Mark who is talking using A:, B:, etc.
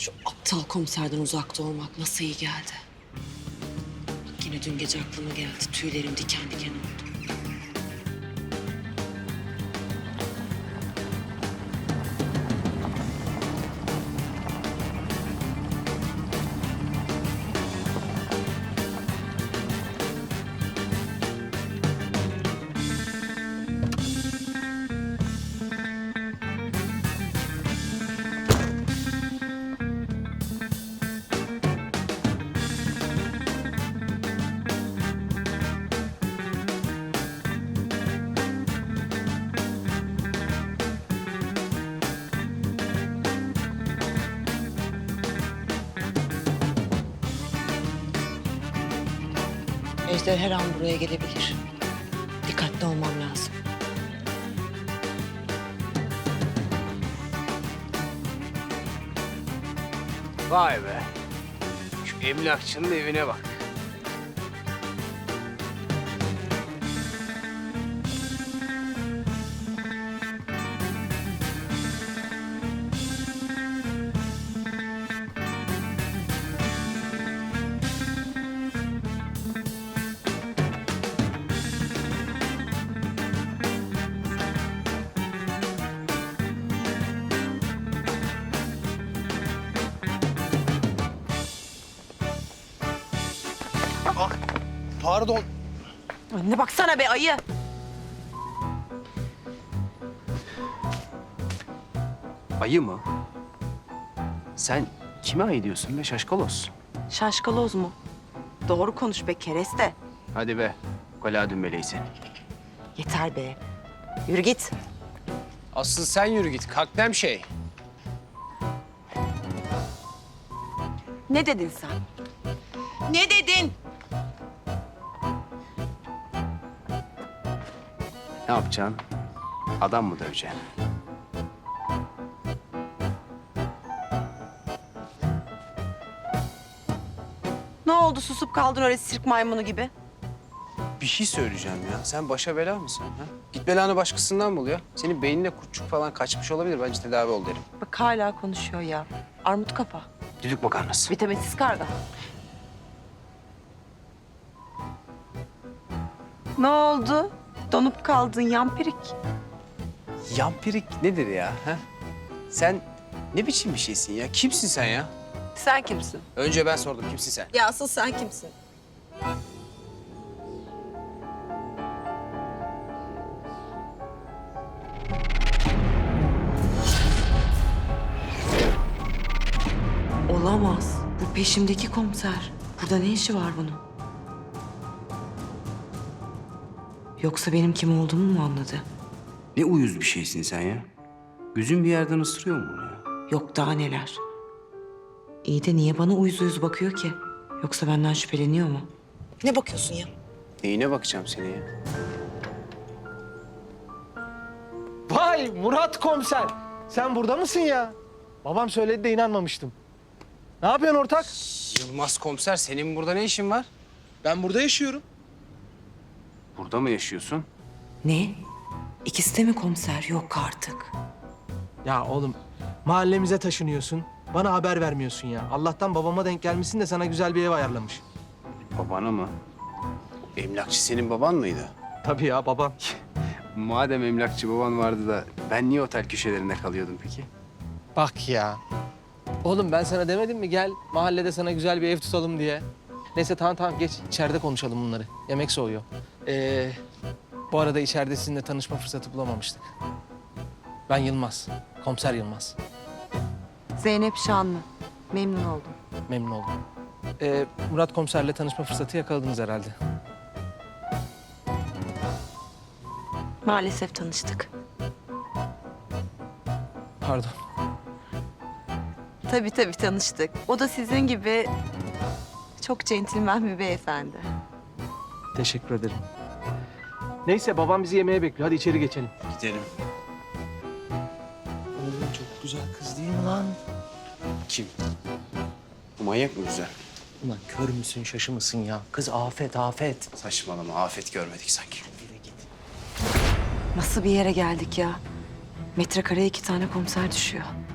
A: Şu aptal komiserden uzakta olmak nasıl iyi geldi. Bak yine dün gece aklıma geldi. Tüylerim diken diken oldu. Ejder her an buraya gelebilir. Dikkatli olmam lazım.
B: Vay be. Şu emlakçının evine bak.
C: Pardon.
A: Önüne baksana be ayı.
B: Ayı mı? Sen kime ayı diyorsun be şaşkalos?
D: Şaşkaloz mu? Doğru konuş be kereste.
B: Hadi be. Kola dümbeleyi seni.
D: Yeter be. Yürü git.
B: Asıl sen yürü git. Kalk şey.
D: Ne dedin sen? Ne dedin?
B: Ne yapacaksın? Adam mı döveceksin?
D: Ne oldu susup kaldın öyle sirk maymunu gibi?
B: Bir şey söyleyeceğim ya. Sen başa bela mısın? Ha? Git belanı başkasından bul ya. Senin beynine kurtçuk falan kaçmış olabilir. Bence tedavi ol derim.
D: Bak hala konuşuyor ya. Armut kafa.
B: Düdük makarnası.
D: Vitaminsiz karga. Ne oldu? Donup kaldın yampirik.
B: Yampirik nedir ya? Ha? Sen ne biçim bir şeysin ya? Kimsin sen ya?
D: Sen kimsin?
B: Önce ben sordum. Kimsin sen?
D: Ya asıl sen kimsin?
A: Olamaz. Bu peşimdeki komiser. Burada ne işi var bunun? Yoksa benim kim olduğumu mu anladı?
B: Ne uyuz bir şeysin sen ya. Gözün bir yerden ısırıyor mu bunu ya?
A: Yok daha neler. İyi de niye bana uyuz uyuz bakıyor ki? Yoksa benden şüpheleniyor mu? Ne bakıyorsun ya?
B: Neyine bakacağım seni ya?
C: Vay Murat komiser. Sen burada mısın ya? Babam söyledi de inanmamıştım. Ne yapıyorsun ortak?
B: Yılmaz komiser, senin burada ne işin var?
C: Ben burada yaşıyorum.
B: Burada mı yaşıyorsun?
A: Ne? İkisi de mi komiser? Yok artık.
C: Ya oğlum mahallemize taşınıyorsun. Bana haber vermiyorsun ya. Allah'tan babama denk gelmişsin de sana güzel bir ev ayarlamış.
B: Babana mı? Emlakçı senin baban mıydı?
C: Tabii ya babam.
B: Madem emlakçı baban vardı da ben niye otel köşelerinde kalıyordum peki?
C: Bak ya. Oğlum ben sana demedim mi gel mahallede sana güzel bir ev tutalım diye. Neyse tamam geç içeride konuşalım bunları. Yemek soğuyor. Bu arada içeride sizinle tanışma fırsatı bulamamıştık. Ben Yılmaz. Komiser Yılmaz.
D: Zeynep Şanlı. Memnun oldum.
C: Memnun oldum. Murat komiserle tanışma fırsatı yakaladınız herhalde.
D: Maalesef tanıştık.
C: Pardon.
D: Tabii tanıştık. O da sizin gibi çok centilmen bir beyefendi.
C: Teşekkür ederim. Neyse babam bizi yemeğe bekliyor. Hadi içeri geçelim.
B: Gidelim.
C: Oğlum çok güzel kız değil mi lan?
B: Kim? Bu manyak mı güzel?
C: Ulan kör müsün şaşı mısın ya? Kız afet.
B: Saçmalama, afet görmedik sanki.
A: Nasıl bir yere geldik ya? Metrekareye 2 tane komiser düşüyor.